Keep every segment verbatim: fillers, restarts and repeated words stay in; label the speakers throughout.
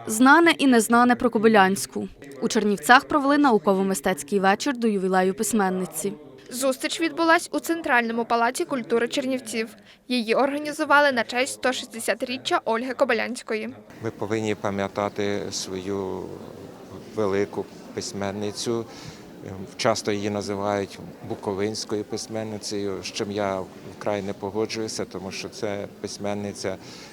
Speaker 1: Знане і незнане про Кобилянську. У Чернівцях провели науково-мистецький вечір до ювілею письменниці.
Speaker 2: Зустріч відбулась у Центральному палаці культури Чернівців. Її організували на честь сто шістдесятиріччя Ольги Кобилянської.
Speaker 3: Ми повинні пам'ятати свою велику письменницю. Часто її називають буковинською письменницею, з чим я вкрай не погоджуюся, тому що це письменниця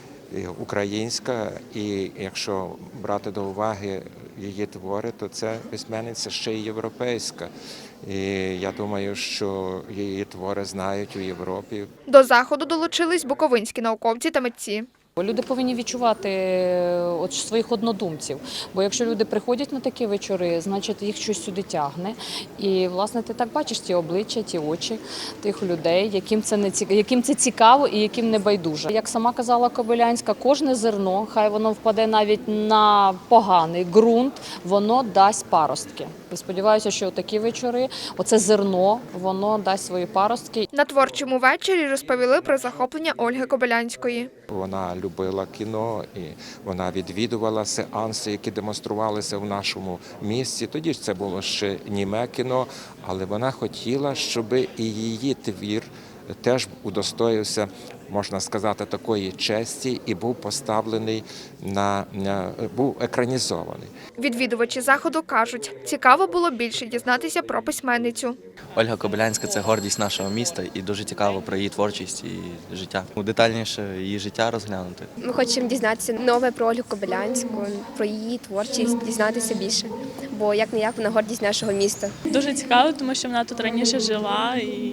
Speaker 3: українська, і якщо брати до уваги її твори, то це письменниця ще й європейська. І я думаю, що її твори знають у Європі.
Speaker 2: До заходу долучились буковинські науковці та митці.
Speaker 4: Люди повинні відчувати от своїх однодумців, бо якщо люди приходять на такі вечори, значить їх щось сюди тягне. І, власне, ти так бачиш ті обличчя, ті очі тих людей, яким це, не цікаво, яким це цікаво і яким не байдуже. Як сама казала Кобилянська, кожне зерно, хай воно впаде навіть на поганий ґрунт, воно дасть паростки. Я сподіваюся, що такі вечори, оце зерно, воно дасть свої паростки.
Speaker 2: На творчому вечорі розповіли про захоплення Ольги Кобилянської.
Speaker 3: Вона любила кіно, і вона відвідувала сеанси, які демонструвалися в нашому місті. Тоді ж це було ще німе кіно, але вона хотіла, щоб і її твір теж удостоївся, можна сказати, такої честі і був поставлений на, на був екранізований.
Speaker 2: Відвідувачі заходу кажуть, цікаво було більше дізнатися про письменницю.
Speaker 5: Ольга Кобилянська – це гордість нашого міста і дуже цікаво про її творчість і життя. Детальніше її життя розглянути.
Speaker 6: Ми хочемо дізнатися нове про Ольгу Кобилянську, про її творчість, дізнатися більше, бо як-не-як вона гордість нашого міста.
Speaker 7: Дуже цікаво, тому що вона тут раніше жила і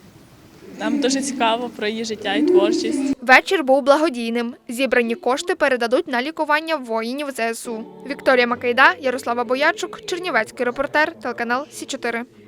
Speaker 7: нам дуже цікаво про її життя і творчість.
Speaker 2: Вечір був благодійним. Зібрані кошти передадуть на лікування воїнів зе ес у. Вікторія Макайда, Ярослава Боячук, Чернівецький репортер, телеканал Сі чотири.